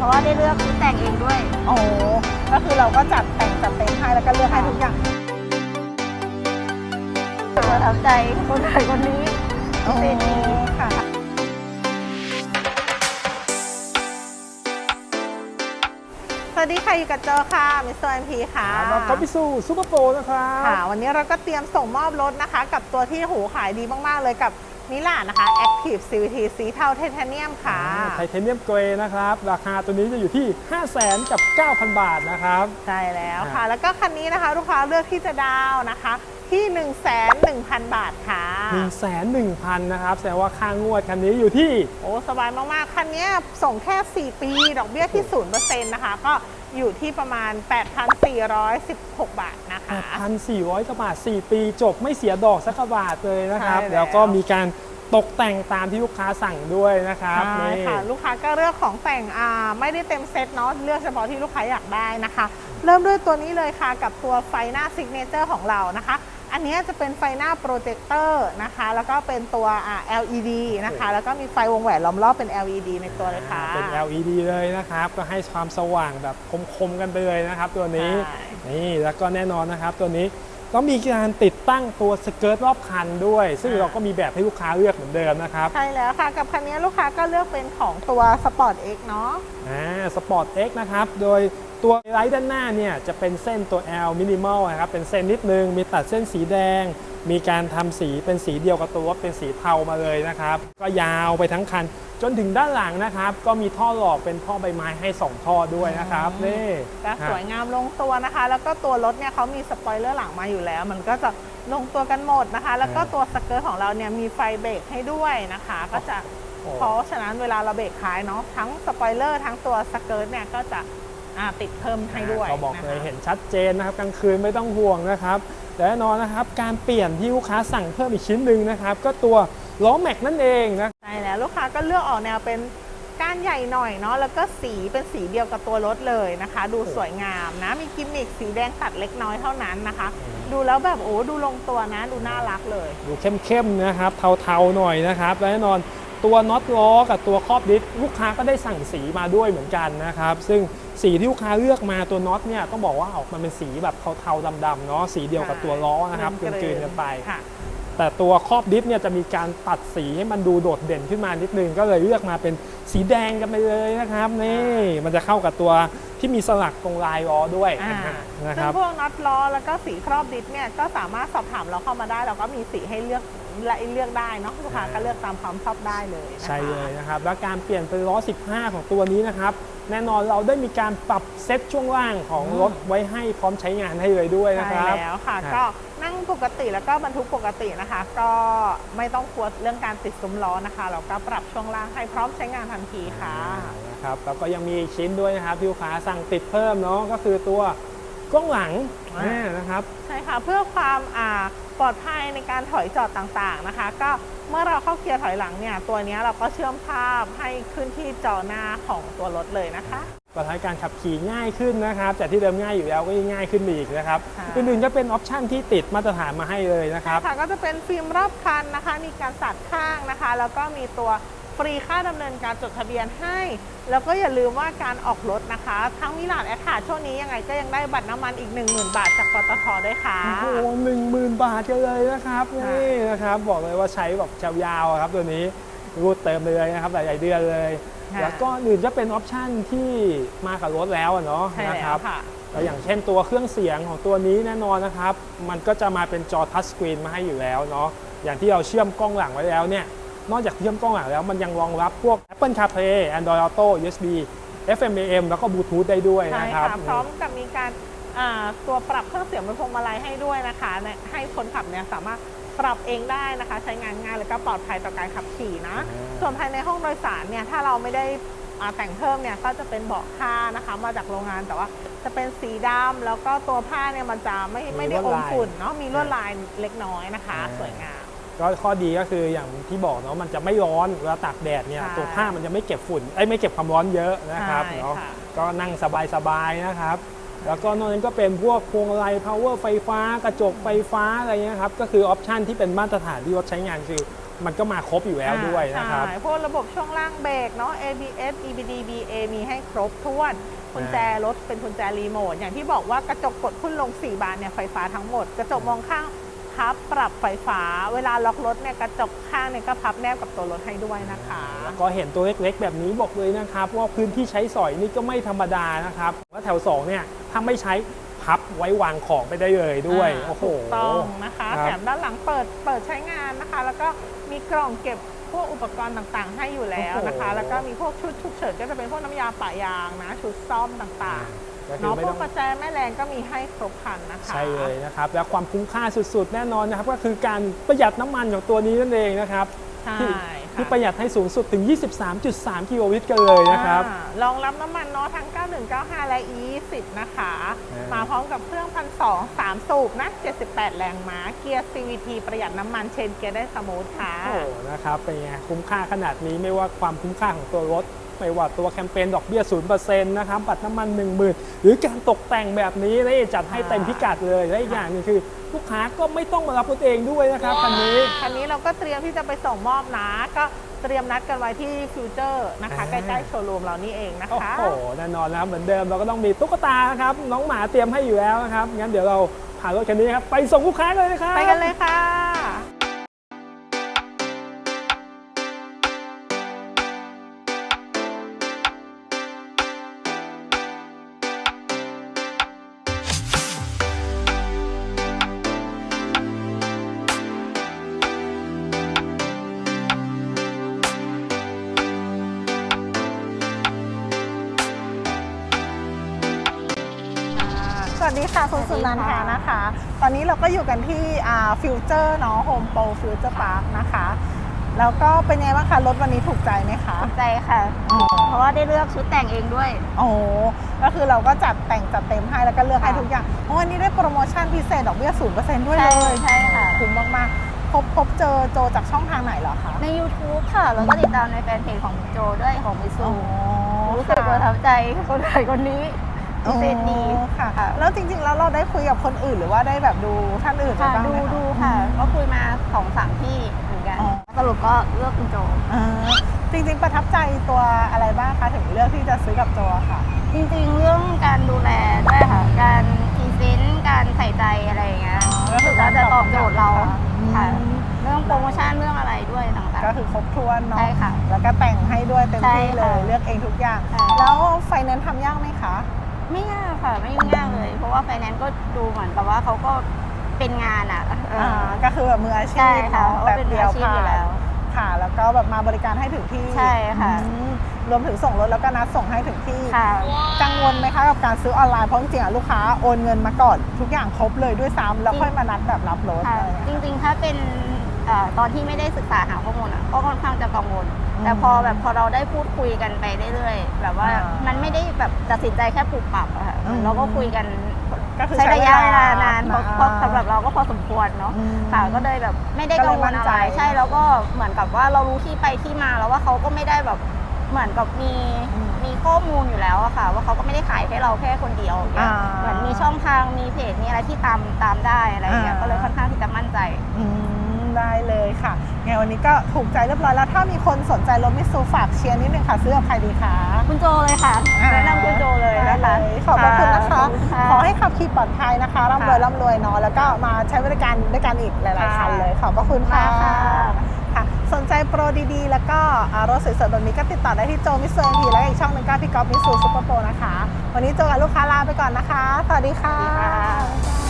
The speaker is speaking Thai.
ราะว่าได้เลือกแต่งเองด้วยโอ้ก็คือเราก็จัดแต่งจัดเต็มให้แล้วก็เลือกให้ทุกอย่างประทับใจคนไหนคนนี้โอ้ค่ะสวัสดีค่ะอยู่กับโจค่ะมิสเตอร์ MP ค่ะแล้วก็พิสูซูเปอร์โปรนะครับค่ะวันนี้เราก็เตรียมส่งมอบรถนะคะกับตัวที่หูขายดีมากๆเลยกับมิลานนะคะ Active CVT สีเทาไทเทเนียมค่ะไทเทเนียมเกรย์นะครับราคาตัวนี้จะอยู่ที่ 500,000 กับ 9,000 บาทนะครับใช่แล้วค่ะแล้วก็คันนี้นะคะลูกค้าเลือกที่จะดาวนะคะที่ 110,000 บาทค่ะ 110,000 นะครับแสดงว่าค่างวดคันนี้อยู่ที่โอ้สบายมากๆคันนี้ส่งแค่4ปีดอกเบี้ยที่ 0% นะคะก็อยู่ที่ประมาณ 8,416 บาทนะคะ 8,400 กว่าบาท4ปีจบไม่เสียดอกสักบาทเลยนะครับแล้วก็มีการตกแต่งตามที่ลูกค้าสั่งด้วยนะครับใช่ค่ะลูกค้าก็เลือกของแต่งไม่ได้เต็มเซตเนาะเลือกเฉพาะที่ลูกค้าอยากได้นะคะเริ่มด้วยตัวนี้เลยค่ะกับตัวไฟหน้าซิกเนเจอร์ของเรานะคะอันนี้จะเป็นไฟหน้าโปรเจคเตอร์นะคะแล้วก็เป็นตัวLED นะคะแล้วก็มีไฟวงแหวนล้อมรอบเป็น LED ในตัวเลยค่ะเป็น LED เลยนะครับก็ให้ความสว่างแบบคมๆกันไปเลยนะครับตัวนี้นี่แล้วก็แน่นอนนะครับตัวนี้ก็มีการติดตั้งตัวสเกิร์ตรอบคันด้วยซึ่งเราก็มีแบบให้ลูกค้าเลือกเหมือนเดิมนะครับใช่แล้วค่ะกับคันนี้ลูกค้าก็เลือกเป็นของตัว Sport X เนาะ Sport X นะครับโดยตัวไลท์ด้านหน้าเนี่ยจะเป็นเส้นตัว L minimal นะครับเป็นเส้นนิดนึงมีตัดเส้นสีแดงมีการทำสีเป็นสีเดียวกับตัวรถเป็นสีเทามาเลยนะครับก็ยาวไปทั้งคันจนถึงด้านหลังนะครับก็มีท่อหลอกเป็นท่อใบไม้ให้2ท่อด้วยนะครับนี่ก็สวยงามลงตัวนะคะแล้วก็ตัวรถเนี่ยเขามีสปอยเลอร์หลังมาอยู่แล้วมันก็จะลงตัวกันหมดนะคะแล้วก็ตัวสเกิร์ตของเราเนี่ยมีไฟเบรกให้ด้วยนะคะก็จะเพราะฉะนั้นเวลาเราเบรกท้ายเนาะทั้งสปอยเลอร์ทั้งตัวสเกิร์ตเนี่ยก็จะติดเพิ่มให้ด้วยก็บอกเลยเห็นชัดเจนนะครับกลางคืนไม่ต้องห่วงนะครับและแน่นอนนะครับการเปลี่ยนที่ลูกค้าสั่งเพิ่มอีกชิ้นหนึ่งนะครับก็ตัวล้อแม็กนั่นเองนะใช่แล้วลูกค้าก็เลือกออกแนวเป็นก้านใหญ่หน่อยเนาะแล้วก็สีเป็นสีเดียวกับตัวรถเลยนะคะดูสวยงามนะมีกิมมิคสีแดงตัดเล็กน้อยเท่านั้นนะคะดูแล้วแบบโอ้ดูลงตัวนะดูน่ารักเลยดูเข้มๆนะครับเทาๆหน่อยนะครับและแน่นอนตัวน็อตล้อกับตัวครอบดิสลูกค้าก็ได้สั่งสีมาด้วยเหมือนกันนะครับซึ่งสีที่ลูกค้าเลือกมาตัวน็อตเนี่ยต้องบอกว่าออกมาเป็นสีแบบเทาๆดำๆเนาะสีเดียวกับตัวล้อนะครับกลืนๆกันไปแต่ตัวครอบดิสเนี่ยจะมีการตัดสีให้มันดูโดดเด่นขึ้นมานิดนึงก็เลยเลือกมาเป็นสีแดงกันไปเลยนะครับนี่มันจะเข้ากับตัวที่มีสลักตรงลายล้อด้วยนะครับซึ่งพวกน็อตล้อแล้วก็สีครอบดิสเนี่ยก็สามารถสอบถามเราเข้ามาได้เราก็มีสีให้เลือกและเลือกได้เนาะลูกค้าก็เลือกตามความชอบได้เลยใช่เลยนะครับแล้วการเปลี่ยนเป็นล้อ15ของตัวนี้นะครับแน่นอนเราได้มีการปรับเซตช่วงล่างของรถไว้ให้พร้อมใช้งานให้เลยด้วยนะครับใช่แล้วค่ะก็นั่งปกติแล้วก็บรรทุกปกตินะคะก็ไม่ต้องกลัวเรื่องการติดซุ้มล้อนะคะเราก็ปรับช่วงล่างให้พร้อมใช้งานทันทีค่ะนะครับแล้วก็ยังมีชิ้นด้วยนะครับที่ลูกค้าสั่งติดเพิ่มเนาะก็คือตัวกล้องหลังนะครับใช่ค่ะเพื่อความปลอดภัยในการถอยจอดต่างๆนะคะก็เมื่อเราเข้าเกียร์ถอยหลังเนี่ยตัวนี้เราก็เชื่อมภาพให้ขึ้นที่จอหน้าของตัวรถเลยนะคะก็ทำให้การขับขี่ง่ายขึ้นนะครับจากที่เดิมง่ายอยู่แล้วก็ยิ่งง่ายขึ้นอีกนะครับอื่นๆก็เป็นออปชั่นที่ติดมาตรฐานมาให้เลยนะครับค่ะก็จะเป็นฟิล์มรอบคันนะคะมีการสัดข้างนะคะแล้วก็มีตัวฟรีค่าดำเนินการจดทะเบียนให้แล้วก็อย่าลืมว่าการออกรถนะคะทั้งมิลานแอคาช่วงนี้ยังไงก็ยังได้บัตรน้ำมันอีก 10,000 บาทจากปตท.ด้วยค่ะโอ้โห10,000 บาทกันเลยนะครับนี่นะครับบอกเลยว่าใช้แบบยาวๆครับตัวนี้รูดเติมเลยนะครับหลายๆเดือนเลยแล้วก็อื่นจะเป็นออปชั่นที่มากับรถแล้วเนาะนะครับแล้วอย่างเช่นตัวเครื่องเสียงของตัวนี้แน่นอนนะครับมันก็จะมาเป็นจอทัชสกรีนมาให้อยู่แล้วเนาะอย่างที่เราเชื่อมกล้องหลังไว้แล้วเนี่ยนอกจากเชื่อมกล้องหลังแล้วมันยังรองรับพวก Apple CarPlay Android Auto USB FM AM แล้วก็ Bluetooth ได้ด้วยนะครับพร้อมกับมีการตัวปรับเครื่องเสียงบนพวงมาลัยให้ด้วยนะคะให้คนขับเนี่ยสามารถปรับเองได้นะคะใช้งานง่ายแล้วก็ปลอดภัยต่อการขับขี่นะส่วนภายในห้องโดยสารเนี่ยถ้าเราไม่ได้แต่งเพิ่มเนี่ยก็จะเป็นเบาะผ้านะคะมาจากโรงงานแต่ว่าจะเป็นสีดำแล้วก็ตัวผ้าเนี่ยมันจะไม่ได้อมฝุ่นเนาะมีลวดลายเล็กน้อยนะคะสวยงามก็ข้อดีก็คืออย่างที่บอกเนาะมันจะไม่ร้อนเวลาตากแดดเนี่ยตัวผ้ามันจะไม่เก็บฝุ่นไม่เก็บความร้อนเยอะนะครับเนาะก็นั่งสบายๆนะครับแล้วก็นอกนั้นก็เป็นพวกพวงมาลัย power ไฟฟ้ากระจกไฟฟ้าอะไรเงี้ยครับก็คือออปชันที่เป็นมาตรฐานที่รถใช้งานคือมันก็มาครบอยู่แล้วด้วยนะครับใช่พวกระบบช่วงล่างเบรกเนาะ ABS EBD BA มีให้ครบถ้วนกุญแจรถเป็นกุญแจรีโมทอย่างที่บอกว่ากระจกกดขึ้นลง4บานเนี่ยไฟฟ้าทั้งหมดกระจกมองข้างพับปรับไฟฟ้าเวลาล็อกรถเนี่ยกระจกข้างเนี่ยก็พับแนบกับตัวรถให้ด้วยนะคะก็เห็นตัวเล็กๆแบบนี้บอกเลยนะครับว่าพื้นที่ใช้สอยนี่ก็ไม่ธรรมดานะครับว่าแถว2เนี่ยถ้าไม่ใช้พับไว้วางของไปได้เลยด้วยโอ้โหถูกต้องนะคะครับแถมด้านหลังเปิดใช้งานนะคะ แล้วก็มีกล่องเก็บพวกอุปกรณ์ต่างๆ ให้อยู่แล้วนะคะโอ้โหแล้วก็มีพวกชุดฉุกเฉินก็จะเป็นพวกน้ำยาปะยางนะชุดซ่อมต่างก็ๆคือเนาะไม่พวต้กองประแจแม่แรงก็มีให้ครบครันนะคะใช่เลยนะครับและความคุ้มค่าสุดๆ แน่นอนนะครับก็คือการประหยัดน้ำมันของตัวนี้นั่นเองนะครับใช่ที่ค่ะที่ประหยัดให้สูงสุดถึง 23.3 กิโลลิตรกันเลยนะครับรองรับน้ำมันเนาะทั้ง 9195 และ E20 นะคะ มาพร้อมกับเครื่อง1,200 3 สูบนะ 78 แรงม้า เกียร์ CVT ประหยัดน้ำมันเชนเกียร์ได้สมูทค่ะโอ้นะครับเป็นไงคุ้มค่าขนาดนี้ไม่ว่าความคุ้มค่าของตัวรถไม่ว่าตัวแคมเปญดอกเบี้ย 0% นะครับบัตรน้ำมัน 10,000 หรือการตกแต่งแบบนี้และจัดให้เต็มพิกัดเลยและอีกอย่างหนึงคือลูกค้าก็ไม่ต้องมารับรถเองด้วยนะครับคันนี้คันนี้เราก็เตรียมที่จะไปส่งมอบนะ ก็เตรียมนัดกันไว้ที่ฟิวเจอร์นะคะ ใกล้ๆโชว์รูมเรานี่เองนะโอ้คะโหแน่นอนนะครับเหมือนเดิมเราก็ต้องมีตุ๊กตาครับน้องหมาเตรียมให้อยู่แล้วนะครับงั้นเดี๋ยวเราพารถคันนี้ครับไปส่งลูกค้าเลยนะครับไปกันเลยค่ะสวัสดีค่ะคุณสุนันทานะคะ ตอนนี้เราก็อยู่กันที่ฟิวเจอร์เนาะโฮมโปรฟิวเจอร์พาร์คนะคะ แล้วก็เป็นไงบ้างคะรถวันนี้ถูกใจไหมคะถูกใจค่ะ เพราะว่าได้เลือกชุดแต่งเองด้วยโอ้ก็คือเราก็จัดแต่งจัดเต็มให้แล้วก็เลือกให้ทุกอย่างโอ้วันนี้ได้โปรโมชั่นพิเศษดอกเบี้ย 0% ด้วยเลยใช่ค่ะคุ้มมากๆพบเจอโจจากช่องทางไหนเหรอคะใน YouTube ค่ะ แล้วก็ติดตามในแฟนเพจของโจด้วยของมิซูรู้สึกประทับใจคนไทยคนนี้พิเศษดีค่ะ แล้วจริงๆแล้วเราได้คุยกับคนอื่นหรือว่าได้แบบดูท่านอื่นค่ะบ้างไหมดูค่ะ ก็คุยมา2-3ที่เหมือนกันอ๋อสรุปก็เลือกคุณโจจริงๆประทับใจตัวอะไรบ้างคะถึงเลือกที่จะซื้อกับโจอะค่ะจริงๆ เรื่องการดูแลด้วยค่ะ การพรีเซนต์การใส่ใจอะไรอย่างเงี้ยก็คือก็จะตอบโจทย์เราอืมค่ะ เรื่องโปรโมชั่นเรื่องอะไรด้วยต่างก็คือครบถ้วนเนาะใช่ค่ะแล้วก็แต่งให้ด้วยเต็มที่ใช่เลค่ะยเลือกเองทุกอย่างใช่แล้วไฟแนนซ์ทำยากไหมคะๆ ไม่ยากค่ะ ไม่ยุ่งยากเลย เพราะว่าไฟแนนซ์ก็ดูเหมือนกับว่าเขาก็เป็นงานอ่ะก็คือแบบมืออาชีใช่พค่ะเนาะเขาแบบเป็นมือเดียวอาชีพอยู่ผ่านแล้วค่ะ แล้วก็แบบมาบริการให้ถึงที่ใช่ค่ะรวมถึงส่งรถแล้วก็นัดส่งให้ถึงที่ค่ะกังวลไหมคะกับการซื้อออนไลน์เพราะจริงๆอะลูกค้าโอนเงินมาก่อนทุกอย่างครบเลยด้วยซ้ำแล้วค่อยมานัดแบบรับรถค่ะอะไรอย่างจเงี้ยริงๆ ถ้าเป็นตอนที่ไม่ได้ศึกษาหาข้อมูลอ่ะก็ค่อนข้างจะกังวลอืมแต่พอเราได้พูดคุยกันไปเรื่อยๆแบบว่าอ่ามัมันไม่ได้แบบตัดสินใจแค่ปรับปรับอะค่ะอืมเราก็คุยกันก็คือใช้ระยะเวลานานใช้เวลาเพราะสำหรับเราก็พอสมควรเนาะอืมค่ะก็เลยแบบไม่ได้ก็กัเลงยว มั่ลนอะใจไรใช่แล้วก็เหมือนกับว่าเรารู้ที่ไปที่มาแล้วว่าเขาก็ไม่ได้แบบเหมือนกับมีข้อมูลอยู่แล้วอะค่ะ ว่าเขาก็ไม่ได้ขายให้เราแค่คนเดียวอย่างเงี้ยอ่าเหมือนมีช่องทางมีเพจมีอะไรที่ตามได้อะไรอย่างเงี้ยอ่าก็เลยค่อนข้างที่จะมั่นใจได้เลยค่ะไงวันนี้ก็ถูกใจเรียบร้อยแล้วถ้ามีคนสนใจรถมิตซูฝากเชียร์นิดนึงค่ะซื้อกับใครดีคะคุณโจเลยค่ะแนะนำคุณโจเลยนะคะได้เลยขอบพระคุณนะคะขอบคุณค่ะขอให้ขับขี่ปลอดภัยนะคะร่ำรวยร่ำรวยเนาะแล้วก็มาใช้บริการด้วยกันอีกหลายๆคันเลยขอบพระคุณค่ะค่ะค่ะสนใจโปรดีๆ แล้วก็รถสวยๆแบบนี้ก็ติดต่อได้ที่โจมิสซูทีและอีกช่องหนึ่งก็พี่ก๊อฟมิสซูซุปเปอร์โปรนะคะวันนี้โจกับลูกค้าลาไปก่อนนะคะสวัสดีค่ะสวัสดีค่ะ